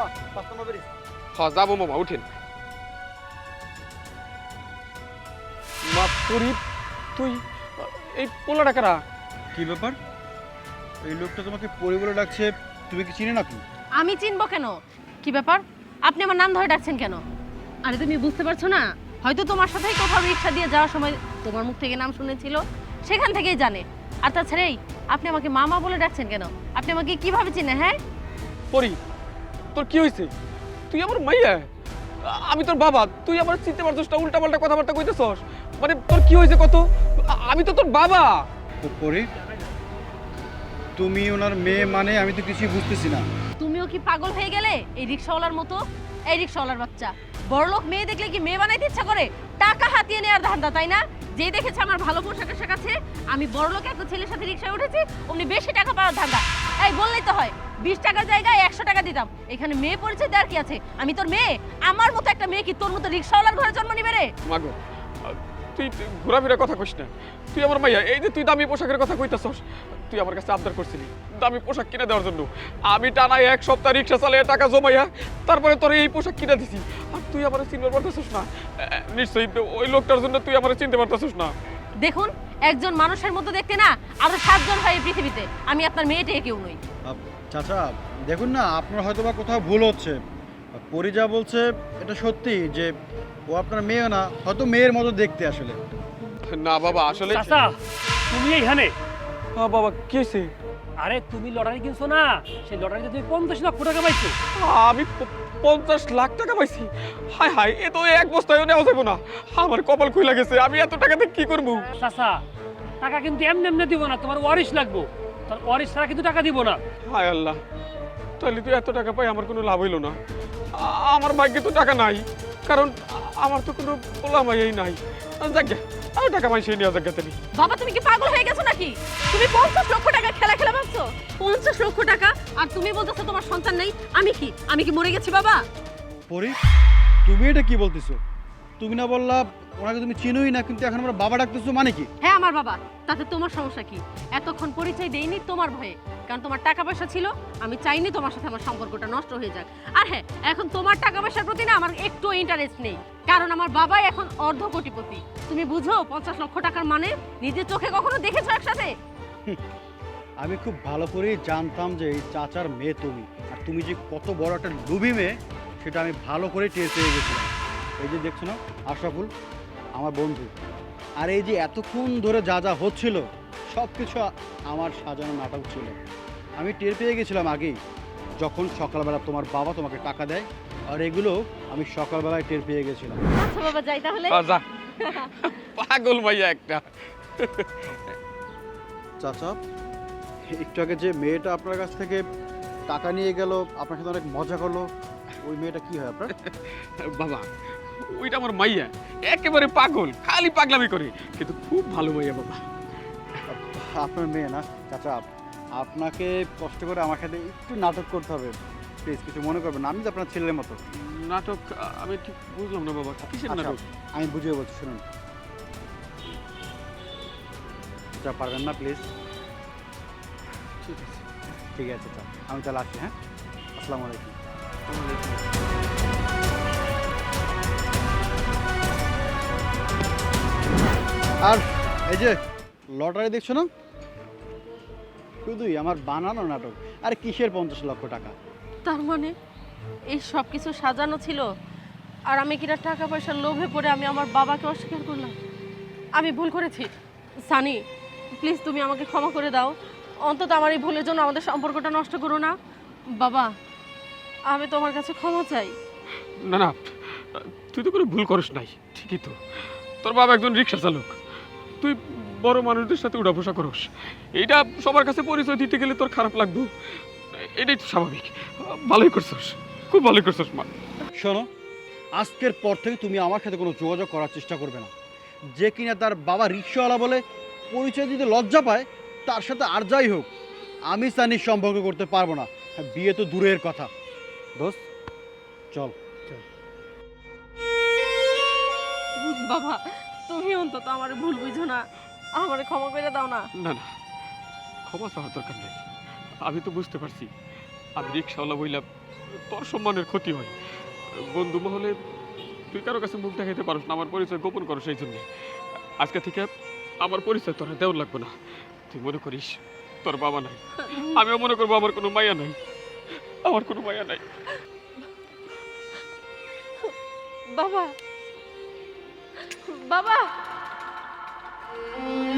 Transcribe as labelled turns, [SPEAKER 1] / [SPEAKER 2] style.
[SPEAKER 1] হ্যাঁ যাবো মামা, উঠেন। মা পরি, তুই এই পোলা টাকারা
[SPEAKER 2] কি ব্যাপার? এই লোকটা তোমাকে পরি বলে ডাকছে, তুমি কি চিনে নাকি?
[SPEAKER 3] আমি চিনবো কেন? কি ব্যাপার, আপনি আমার নাম ধরে ডাকছেন কেন? আরে তুমি বুঝতে পারছো না? হয়তো তোমার সাথেই কোথাও রিক্সা দিয়ে যাওয়ার সময় তোমার মুখ থেকে নাম শুনেছিল, সেখান থেকেই জানে। আর তাছাড়া আপনি আমাকে মামা বলে ডাকছেন কেন? আপনি আমাকে কিভাবে চিনে? হ্যাঁ
[SPEAKER 1] পরি, তোর কি হয়েছে? তুই আমার মাইয়া, আমি তোর বাবা, তুই আমার চিনতে পারছিস না, উল্টা পাল্টা কথাবার্তা কইতেছস। মানে তোর কি হয়েছে কত? আমি তো তোর বাবা।
[SPEAKER 2] পরি, তুমি ওনার মেয়ে মানে আমি তো কিছুই বুঝতেছি না।
[SPEAKER 3] তুমিও কি পাগল হয়ে গেলে এই রিক্সাওয়ালার মতো? এই রিক্সাওয়ালার বাচ্চা বড়লোক মেয়ে দেখলে কি মেয়ে বানাইতে ইচ্ছা করে? টাকা হাতিয়ে নেওয়ার ধান্দা, তাই না? যেই দেখেছে আমার ভালো পোশাক আশাক আছে, আমি বড়লোক একটা ছেলের সাথে রিক্সায় উঠেছি, অমনি বেশি টাকা পাওয়ার ধান্দা। এই বললেই তো হয়, 20 টাকার জায়গায় 100 টাকা দিতাম। এখানে মেয়ে পরিচয় দেওয়ার কি আছে? আমি তোর মেয়ে। আমার মতো একটা মেয়ে কি তোর মতো রিক্সাওয়ালার ঘরে জন্ম নিবে রে?
[SPEAKER 1] মাগো, তুই ঘোরাফেরা কথা কইস না। তুই আমার মাইয়া, এই যে তুই দামি পোশাকের কথা কইতাছস, তুই আমার কাছে আবদার করছিলি দামি পোশাক কিনে দেওয়ার জন্য। আমি টানা 1 সপ্তাহ রিক্সা চালিয়ে টাকা জমাইয়া তারপরে তোর এই পোশাক কিনে দিছি, আর তুই আমার চিনতে পারতেছস না? নিশ্চয়ই ওই লোকটার জন্য তুই আমার চিনতে পারতেছস না।
[SPEAKER 3] দেখুন, একজন মানুষের মতো দেখতে না আরো 7 জন হয় এই পৃথিবীতে। আমি আপনার মেয়েটাই কেউ নই।
[SPEAKER 2] চাচা দেখুন না, আপনার হয়তো বা কোথাও ভুল হচ্ছে। পরি যা বলছে এটা সত্যি যে ও আপনার মেয়ে না, হয়তো মেয়ের মতো দেখতে আসলে।
[SPEAKER 1] না বাবা, আসলে
[SPEAKER 4] চাচা, তুমি এইখানে?
[SPEAKER 1] হ্যাঁ বাবা, কি হয়েছে?
[SPEAKER 4] আরে তুমি লটারি কিনছো না, সেই লটারিতে তুমি 50 লক্ষ টাকা পাইছো।
[SPEAKER 1] আমি 50 লাখ টাকা পাইছি? হায় হায়, এ তো এক বস্তায়ও নেওয়া যাবে না। আমার কপাল খুইলা গেছে, আমি এত টাকাতে কি করবো?
[SPEAKER 4] চাচা, টাকা কিন্তু এমনি এমনি দিব না, তোমার ওয়ারিশ লাগবো। তার ওয়ারিশ ছাড়া কিন্তু টাকা দিব না।
[SPEAKER 1] হায় আল্লাহ, তাহলে তুই এত টাকা পাই আমার কোনো লাভ হইল না। আমার ভাগ্যে তো টাকা নাই, কারণ আমার তো কোনো পোলামাই নাই। যাক গে, আর টাকা মাই সেই নেওয়া যাক গে।
[SPEAKER 3] বাবা, তুমি কি পাগল হয়ে গেছো নাকি? তুমি 50 লক্ষ টাকা খেলা খেলা ভাবছো? 50 লক্ষ টাকা আর তুমি বলতেছো তোমার সন্তান নেই? আমি কি মরে গেছি বাবা?
[SPEAKER 2] পরি, তুমি এটা কি বলতেছো? তুমি না বললা ওনাকে তুমি চিনোই না, কিন্তু এখন আমরা বাবা ডাকতেছো, মানে কি?
[SPEAKER 3] হ্যাঁ আমার বাবা, তাতে তোমার সমস্যা কি? এতক্ষণ পরিচয় দেইনি তোমার ভয়ে, কারণ তোমার টাকা পয়সা ছিল। আমি চাইনি তোমার সাথে আমার সম্পর্কটা নষ্ট হয়ে যাক। আর হ্যাঁ, এখন তোমার টাকা পয়সার প্রতি না আমার একটু ইন্টারেস্ট নেই, কারণ আমার বাবাই এখন অর্ধ কোটিপতি। তুমি বুঝো 50 লক্ষ টাকার মানে? নিজের চোখে কখনো দেখেছো একসাথে?
[SPEAKER 2] আমি খুব ভালো করেই জানতাম যে এই চাচার মেয়ে তুমি, আর তুমি যে কত বড় একটা লুবি মেয়ে সেটা আমি ভালো করে টের পেয়ে গেছিলাম। এই যে দেখছো না আশরাফুল, আমার বন্ধু, আর এই যে এতক্ষণ ধরে যা যা হচ্ছিল সব কিছু আমার সাজানো নাটক ছিল। আমি টের পেয়ে গেছিলাম আগেই, যখন সকালবেলা তোমার বাবা তোমাকে টাকা দেয়, আর এগুলো আমি সকালবেলায় টের পেয়ে গেছিলাম।
[SPEAKER 3] আচ্ছা বাবা, যাই তাহলে।
[SPEAKER 1] যা, পাগল ভাইয়া একটা।
[SPEAKER 2] চাচা, একটু আগে যে মেয়েটা আপনার কাছ থেকে টাকা নিয়ে গেল, আপনার সাথে অনেক মজা করলো, ওই মেয়েটা কি হয় আপনার?
[SPEAKER 1] বাবা, ওইটা আমার মাইয়া, একেবারে পাগল, খালি পাগলামি করে, কিন্তু খুব ভালো মাইয়া বাবা।
[SPEAKER 2] আপনার মেয়ে না চাচা, আপনাকে কষ্ট করে আমার সাথে একটু নাটক করতে হবে প্লিজ, কিছু মনে করবেন না, আমি তো আপনার ছেলের মতো।
[SPEAKER 1] নাটক? আমি ঠিক বুঝলাম না বাবা, কিসের
[SPEAKER 2] আচ্ছা,
[SPEAKER 1] নাটক?
[SPEAKER 2] আমি বুঝিয়ে বলছি, শুনুন। যা পারবেন না প্লিজ?
[SPEAKER 1] ঠিক আছে।
[SPEAKER 2] ঠিক আছে চা, আমি তাহলে আসছি। হ্যাঁ, আসসালামু আলাইকুম। আর এই যে লটারি দেখছো না, শুধুই আমার বানানো নাটক। আর কিসের 50 লক্ষ টাকা?
[SPEAKER 3] তার মানে এই সব কিছু সাজানো ছিল, আর আমি কিনা টাকা পয়সার লোভে পড়ে আমি আমার বাবাকে অস্বীকার করলাম। আমি ভুল করেছি সানি, প্লিজ তুমি আমাকে ক্ষমা করে দাও। অন্তত আমার এই ভুলের জন্য আমাদের সম্পর্কটা নষ্ট করো না বাবা। আমি তোমার কাছে ক্ষমা চাই।
[SPEAKER 1] না না, তুই তো কোনো ভুল করিস নাই, ঠিকই তো। তোর বাবা একজন রিক্সা চালক, তুই বড় মানুষদের সাথে উঠাবসা করস, এইটা সবার কাছে পরিচয় দিতে গেলে তোর খারাপ লাগবে, এটাই তো স্বাভাবিক। ভালোই করছস, খুব ভালোই করছস মা।
[SPEAKER 2] শোনো, আজকের পর থেকে তুমি আমার সাথে কোনো যোগাযোগ করার চেষ্টা করবে না। যে কিনা তার বাবা রিক্সাওয়ালা বলে পরিচয় দিতে লজ্জা পায়, তার সাথে আর যাই হোক আমি সানির সম্পর্ক করতে পারবো না। হ্যাঁ, বিয়ে তো দূরের কথা। দোস্ত চল।
[SPEAKER 3] বাবা, তুমি অন্তত আমার ভুল বুঝো না, আমারে ক্ষমা করে দাও না।
[SPEAKER 1] না না, ক্ষমা চাওয়ার দরকার নেই। আমি তো বুঝতে পারছি আমি রিক্সাওয়ালা বইলাম তোর সম্মানের ক্ষতি হয়, বন্ধু মহলে তুই কারো কাছে মুখ দেখাইতে পারস না, আমার পরিচয় গোপন করো, সেই জন্যে আজকে থেকে আমার পরিচয় তোর দেওয়ার লাগবে না। তুই মনে করিস তোর বাবা নাই, আমিও মনে করবো আমার কোনো মায়া নাই, আমার কোনো মায়া নাই।
[SPEAKER 3] বাবা বাবা